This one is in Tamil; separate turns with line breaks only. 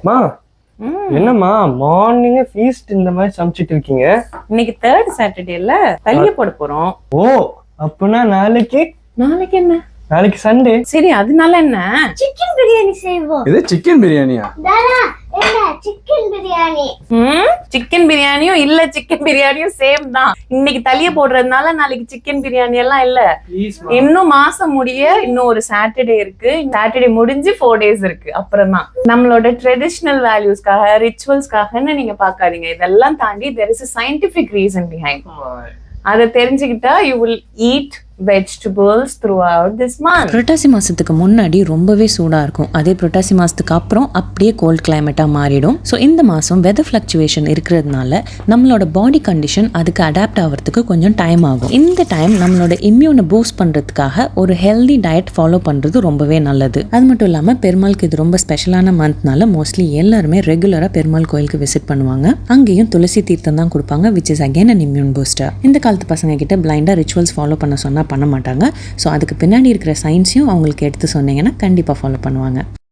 மா என்னம்மா மார்னிங் ஃபீஸ்ட் இந்த மாதிரி சமைச்சிட்டு இருக்கீங்க?
இன்னைக்கு 3rd சாட்டர்டேல தலிய போட போறோம்.
ஓ அப்பனா நாளைக்கு
என்ன?
நாளைக்கு சண்டே.
சரி அதனால என்ன?
சிக்கன் பிரியாணி செய்வோம்.
இது சிக்கன் பிரியாணியா?
தாரா என்ன சிக்கன் பிரியாணி?
சிக்கன் பிரியாணியும் இல்ல சிக்கன் பிரியாணியும் சேம் தான். இன்னைக்கு தலிய போடுறதுனால நாளைக்கு சிக்கன் பிரியாணி எல்லாம் இல்ல. இன்னும் மாசம் முடிய இன்னும் ஒரு சாட்டர்டே இருக்கு. சாட்டர்டே முடிஞ்சு 4 days இருக்கு. அப்புறம் தான் நம்மளோட ட்ரெடிஷனல் வேல்யூஸ்க்காக ரிச்சுவல்ஸ்க்காகன்னு நீங்க பாக்காதீங்க. இதெல்லாம் தாண்டி there is a scientific reason behind. அதை தெரிஞ்சுக்கிட்டா you will eat vegetables throughout this month.
புரட்டாசி மாதத்துக்கு முன்னாடி ரொம்பவே சூடாக இருக்கும். அதே புரட்டாசி மாதத்துக்கு அப்புறம் அப்படியே கோல்ட் கிளைமேட்டாக மாறிடும். ஸோ இந்த மாதம் வெதர் ஃப்ளக்சுவேஷன் இருக்கிறதுனால நம்மளோட பாடி கண்டிஷன் அதுக்கு அடாப்ட் ஆகிறதுக்கு கொஞ்சம் டைம் ஆகும். இந்த டைம் நம்மளோட இம்யூனை பூஸ்ட் பண்ணுறதுக்காக ஒரு ஹெல்தி டயட் ஃபாலோ பண்ணுறது ரொம்பவே நல்லது. அது மட்டும் இல்லாமல் பெருமாளுக்கு இது ரொம்ப ஸ்பெஷலான மந்த்னால மோஸ்ட்லி எல்லாருமே ரெகுலராக பெருமாள் கோயிலுக்கு விசிட் பண்ணுவாங்க. அங்கேயும் துளசி தீர்த்தம் தான் கொடுப்பாங்க, which is again an immune booster. இந்த காலத்து பசங்க கிட்ட பிளைண்டாக ரிச்சுவல்ஸ் ஃபாலோ பண்ண சொன்னால் பண்ண மாட்டாங்க. ஸோ அதுக்கு பின்னாடி இருக்கிற சயின்ஸையும் அவங்களுக்கு எடுத்து சொன்னீங்கன்னா கண்டிப்பாக ஃபாலோ பண்ணுவாங்க.